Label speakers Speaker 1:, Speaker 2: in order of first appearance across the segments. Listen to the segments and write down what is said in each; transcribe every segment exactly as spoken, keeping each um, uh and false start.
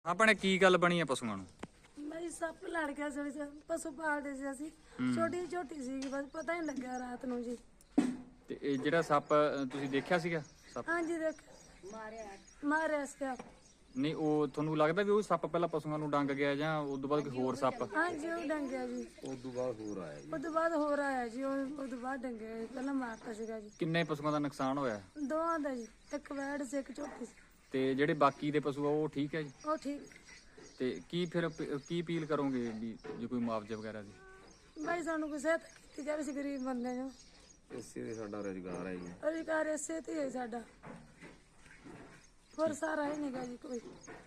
Speaker 1: ਆਪਣੇ ਕੀ ਗੱਲ ਬਣੀ ਆ ਪਸ਼ੂਆਂ ਨੂੰ?
Speaker 2: ਬਈ ਸੱਪ ਲੜ ਗਿਆ ਸੀ, ਪਸ਼ੂ ਪਾਲਦੇ ਸੀ ਅਸੀਂ। ਛੋਟੀ ਛੋਟੀ ਸੀ, ਬਸ ਪਤਾ ਹੀ ਲੱਗਿਆ ਰਾਤ ਨੂੰ ਜੀ।
Speaker 1: ਤੇ ਇਹ ਜਿਹੜਾ ਸੱਪ ਅ, ਤੁਸੀਂ ਦੇਖਿਆ ਸੀਗਾ ਸੱਪ?
Speaker 2: ਹਾਂਜੀ ਦੇਖ ਮਾਰਿਆ ਮਾਰਿਆ ਸੀ।
Speaker 1: ਨਹੀਂ, ਉਹ ਤੁਹਾਨੂੰ ਲੱਗਦਾ ਵੀ ਉਹ ਸੱਪ ਪਹਿਲਾਂ ਪਸ਼ੂਆਂ ਨੂੰ ਡੰਗ ਗਿਆ ਜਾਂ ਉਸ ਤੋਂ ਬਾਅਦ ਕੋਈ ਹੋਰ ਸੱਪ?
Speaker 2: ਹਾਂਜੀ ਉਹ ਡੰਗਿਆ ਜੀ।
Speaker 3: ਉਸ ਤੋਂ ਬਾਅਦ ਹੋਰ ਆਇਆ ਜੀ।
Speaker 2: ਉਹ ਤੋਂ ਬਾਅਦ ਹੋਰ ਆਇਆ ਜੀ। ਉਹ ਤੋਂ ਬਾਅਦ ਡੰਗਿਆ, ਪਹਿਲਾਂ ਮਾਰਤਾ ਸੀਗਾ ਜੀ।
Speaker 1: ਕਿੰਨੇ ਪਸ਼ੂਆਂ ਦਾ ਨੁਕਸਾਨ ਹੋਇਆ?
Speaker 2: ਦੋਵਾਂ ਦਾ ਜੀ, ਇੱਕ ਵੈੜ ਸੀ ਇੱਕ ਝੋਟੀ ਸੀ।
Speaker 1: ਤੇ ਜਿਹੜੇ ਬਾਕੀ ਦੇ ਪਸ਼ੂ ਆ ਉਹ ਠੀਕ ਹੈ ਜੀ?
Speaker 2: ਉਹ ਠੀਕ।
Speaker 1: ਤੇ ਕੀ ਫਿਰ ਅਪ- ਕੀ ਅਪੀਲ ਕਰੋਗੇ ਵੀ ਜੇ ਕੋਈ ਮੁਆਵਜ਼ਾ ਵਗੈਰਾ ਦੀ?
Speaker 2: ਬਈ ਸਾਨੂੰ ਕੋਈ ਸਹਾਇਤਾ ਕੀਤੀ ਜਾਵੇ, ਅਸੀਂ ਗਰੀਬ ਬੰਦੇ ਜੋ।
Speaker 3: ਇਸੇ ਦੇ ਸਾਡਾ ਰੁਜ਼ਗਾਰ ਹੈ ਜੀ।
Speaker 2: ਅਧਿਕਾਰ ਇਸੇ ਤੇ ਹੀ ਹੈ ਸਾਡਾ, ਹੋਰ ਸਾਰਾ ਹੀ ਨਹੀਂਗਾ ਜੀ ਕੋਈ।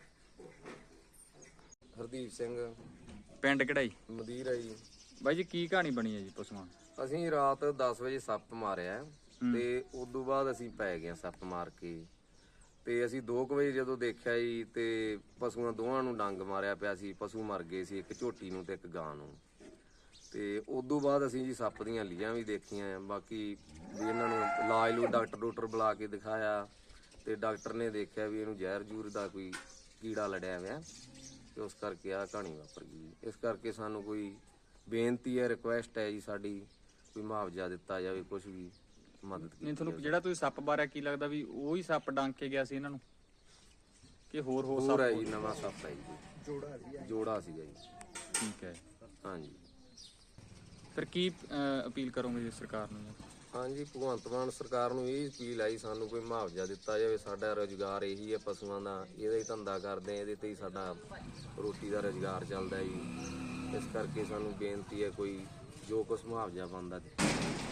Speaker 3: ਹਰਦੀਪ ਸਿੰਘ
Speaker 1: ਪਿੰਡ ਕਿਹੜਾ ਜੀ?
Speaker 3: ਮਦੀਰ ਹੈ ਜੀ।
Speaker 1: ਬਾਈ ਜੀ ਕੀ ਕਹਾਣੀ ਬਣੀ ਹੈ ਜੀ ਪਸ਼ੂਆਂ ਦੀ?
Speaker 3: ਅਸੀਂ ਰਾਤ ਦਸ ਵਜੇ ਸੱਪ ਮਾਰਿਆ ਤੇ ਉਸ ਤੋਂ ਬਾਅਦ ਅਸੀਂ ਪੈ ਗਏ ਸੱਪ ਮਾਰ ਕੇ। ਤੇ ਅਸੀਂ ਦੋ ਕੁ ਵਜੇ ਜਦੋਂ ਦੇਖਿਆ ਜੀ ਤੇ ਪਸ਼ੂਆਂ ਦੋਵਾਂ ਨੂੰ ਡੰਗ ਮਾਰਿਆ ਪਿਆ ਸੀ। ਪਸ਼ੂ ਮਰ ਗਏ ਸੀ, ਇੱਕ ਝੋਟੀ ਨੂੰ ਤੇ ਇੱਕ ਗਾਂ ਨੂੰ। ਤੇ ਉਸ ਤੋਂ ਬਾਅਦ ਅਸੀਂ ਜੀ ਸੱਪ ਦੀਆਂ ਲੀਆਂ ਵੀ ਦੇਖੀਆਂ। ਬਾਕੀ ਵੀ ਇਹਨਾਂ ਨੂੰ ਇਲਾਜ ਨੂੰ ਡਾਕਟਰ ਡਾਕਟਰ ਬੁਲਾ ਕੇ ਦਿਖਾਇਆ ਤੇ ਡਾਕਟਰ ਨੇ ਦੇਖਿਆ ਵੀ ਇਹਨੂੰ ਜ਼ਹਿਰ ਜੂਰ ਦਾ ਕੋਈ ਕੀੜਾ ਲੜਿਆ ਹੋਇਆ ਤੇ ਉਸ ਕਰਕੇ ਆਹ ਕਹਾਣੀ ਵਾਪਰ ਗਈ। ਇਸ ਕਰਕੇ ਸਾਨੂੰ ਕੋਈ ਬੇਨਤੀ ਹੈ, ਰਿਕੁਐਸਟ ਹੈ ਜੀ ਸਾਡੀ, ਕੋਈ ਮੁਆਵਜ਼ਾ ਦਿੱਤਾ ਜਾਵੇ, ਕੁਝ ਵੀ ਮਦਦ ਕੀਤੀ
Speaker 1: ਨਹੀਂ, ਤੁਹਾਨੂੰ ਜਿਹੜਾ ਤੁਸੀਂ ਸੱਪ ਬਾਰਿਆ ਕੀ ਲੱਗਦਾ ਵੀ ਉਹੀ ਸੱਪ ਡੰਗ ਕੇ ਗਿਆ ਸੀ ਇਹਨਾਂ ਨੂੰ ਕਿ ਹੋਰ ਹੋਰ
Speaker 3: ਹੋਰ
Speaker 1: ਸੱਪ?
Speaker 3: ਹੈ ਜੀ, ਨਵਾਂ ਸੱਪ ਹੈ ਜੀ। ਜੋੜਾ ਸੀ ਜੋੜਾ ਸੀਗਾ ਜੀ।
Speaker 1: ਠੀਕ ਹੈ।
Speaker 3: ਹਾਂਜੀ
Speaker 1: ਫਿਰ ਕੀ ਅ, ਅਪੀਲ ਕਰੋਗੇ ਜੀ ਸਰਕਾਰ ਨੂੰ?
Speaker 3: ਹਾਂਜੀ ਭਗਵੰਤ ਮਾਨ ਸਰਕਾਰ ਨੂੰ ਇਹ ਅਪੀਲ ਆਈ ਸਾਨੂੰ ਕੋਈ ਮੁਆਵਜ਼ਾ ਦਿੱਤਾ ਜਾਵੇ। ਸਾਡਾ ਰੁਜ਼ਗਾਰ ਇਹੀ ਹੈ ਪਸ਼ੂਆਂ ਦਾ, ਇਹਦਾ ਹੀ ਧੰਦਾ ਕਰਦੇ ਆ, ਇਹਦੇ ਤੇ ਹੀ ਸਾਡਾ ਰੋਟੀ ਦਾ ਰੁਜ਼ਗਾਰ ਚੱਲਦਾ ਜੀ। ਇਸ ਕਰਕੇ ਸਾਨੂੰ ਬੇਨਤੀ ਹੈ ਕੋਈ ਜੋ ਕੁਛ ਮੁਆਵਜ਼ਾ ਬਣਦਾ